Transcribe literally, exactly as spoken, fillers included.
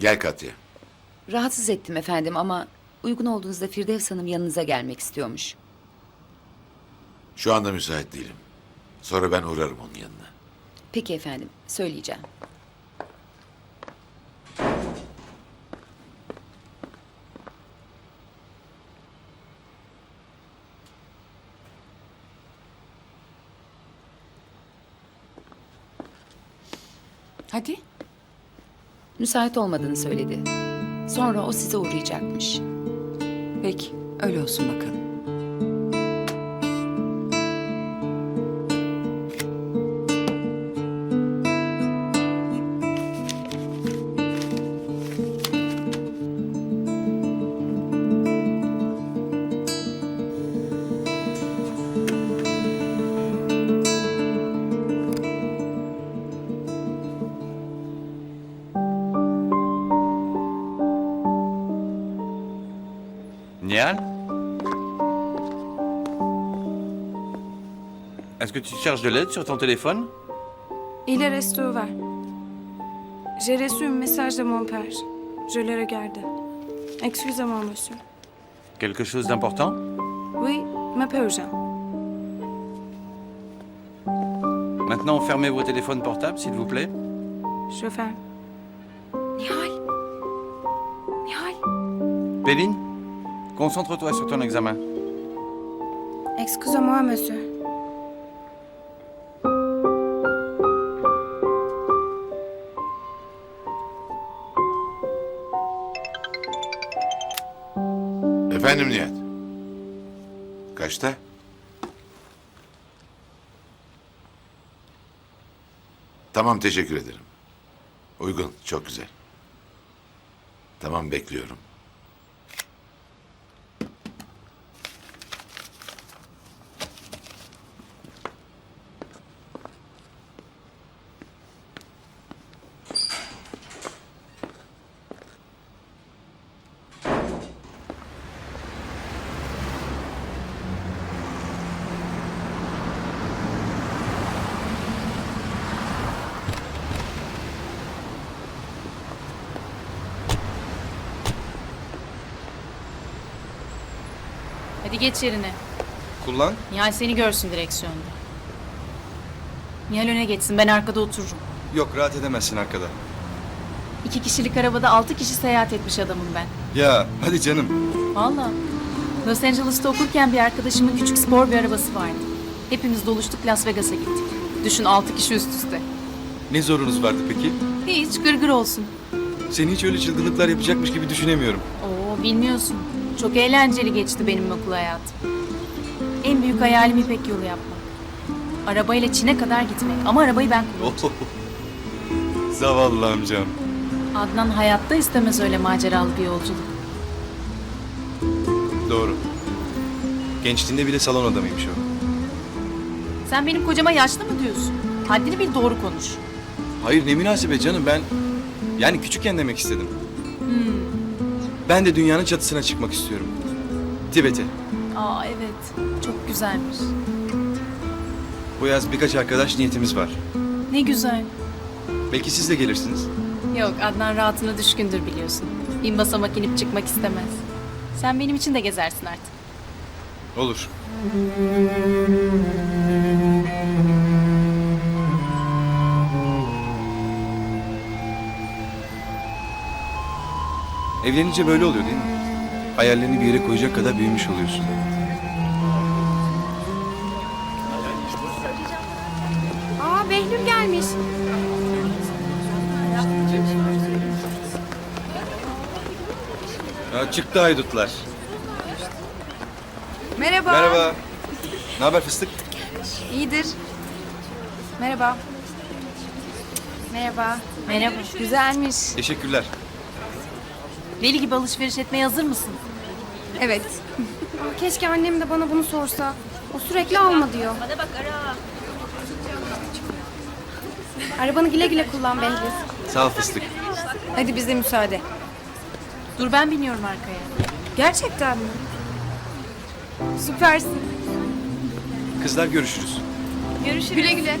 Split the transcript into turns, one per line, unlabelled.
Gel Katya.
Rahatsız ettim efendim ama uygun olduğunuzda Firdevs Hanım yanınıza gelmek istiyormuş.
Şu anda müsait değilim. Sonra ben uğrarım onun yanına.
Peki efendim, söyleyeceğim.
Hadi.
Müsait olmadığını söyledi. Sonra o size uğrayacakmış.
Peki, öyle olsun bakalım.
Nial? Est-ce que tu cherches de l'aide sur ton téléphone?
Il est resté ouvert. J'ai reçu un message de mon père. Je le regarde. Excusez-moi, monsieur.
Quelque chose d'important?
Oui, mais peu urgent.
Maintenant, fermez vos téléphones portables, s'il vous plaît.
Je ferme. Nihal. Nihal.
Péline, concentre-toi sur ton examen.
Excusez-moi, monsieur.
Efendim Nihat. Kaçta? Tamam, teşekkür ederim. Uygun, çok güzel. Tamam, bekliyorum.
Hadi geç yerine.
Kullan.
Nihal seni görsün direksiyonda. Nihal öne geçsin, ben arkada otururum.
Yok, rahat edemezsin arkada.
İki kişilik arabada altı kişi seyahat etmiş adamım ben.
Ya hadi canım.
Vallahi. Los Angeles'ta okurken bir arkadaşımın küçük spor bir arabası vardı. Hepimiz doluştuk, Las Vegas'a gittik. Düşün, altı kişi üst üste.
Ne zorunuz vardı peki?
Hiç gırgır olsun.
Seni hiç öyle çılgınlıklar yapacakmış gibi düşünemiyorum.
Oo, bilmiyorsun. Çok eğlenceli geçti benim okul hayatım. En büyük hayalim İpek yolu yapmak. Arabayla Çin'e kadar gitmek. Ama arabayı ben kullanacağım.
Oh, zavallı amcam.
Adnan hayatta istemez öyle maceralı bir yolculuk.
Doğru. Gençliğinde bile salon adamıymış o.
Sen benim kocama yaşlı mı diyorsun? Haddini bil, doğru konuş.
Hayır, ne münasebet canım, ben... Yani küçükken demek istedim. Ben de dünyanın çatısına çıkmak istiyorum. Tibet'e.
Aa evet, çok güzelmiş.
Bu yaz birkaç arkadaş niyetimiz var.
Ne güzel.
Belki siz de gelirsiniz.
Yok, Adnan rahatına düşkündür biliyorsun. Bin basamak inip çıkmak istemez. Sen benim için de gezersin artık.
Olur. Evlenince böyle oluyor değil mi? Hayallerini bir yere koyacak kadar büyümüş oluyorsun.
Aa, Behlül gelmiş.
Ya çıktı haydutlar.
Merhaba.
Merhaba. Ne haber fıstık?
İyidir. Merhaba. Merhaba.
Merhaba.
Güzelmiş.
Teşekkürler.
Deli gibi alışveriş etmeye hazır mısın?
Evet. Aa, keşke annem de bana bunu sorsa. O sürekli alma diyor. Bana bak ara. Arabanı güle güle kullan Behlül.
Sağ ol fıstık.
Hadi bize müsaade.
Dur, ben biniyorum arkaya.
Gerçekten mi? Süpersin.
Kızlar görüşürüz.
Görüşürüz. Güle güle.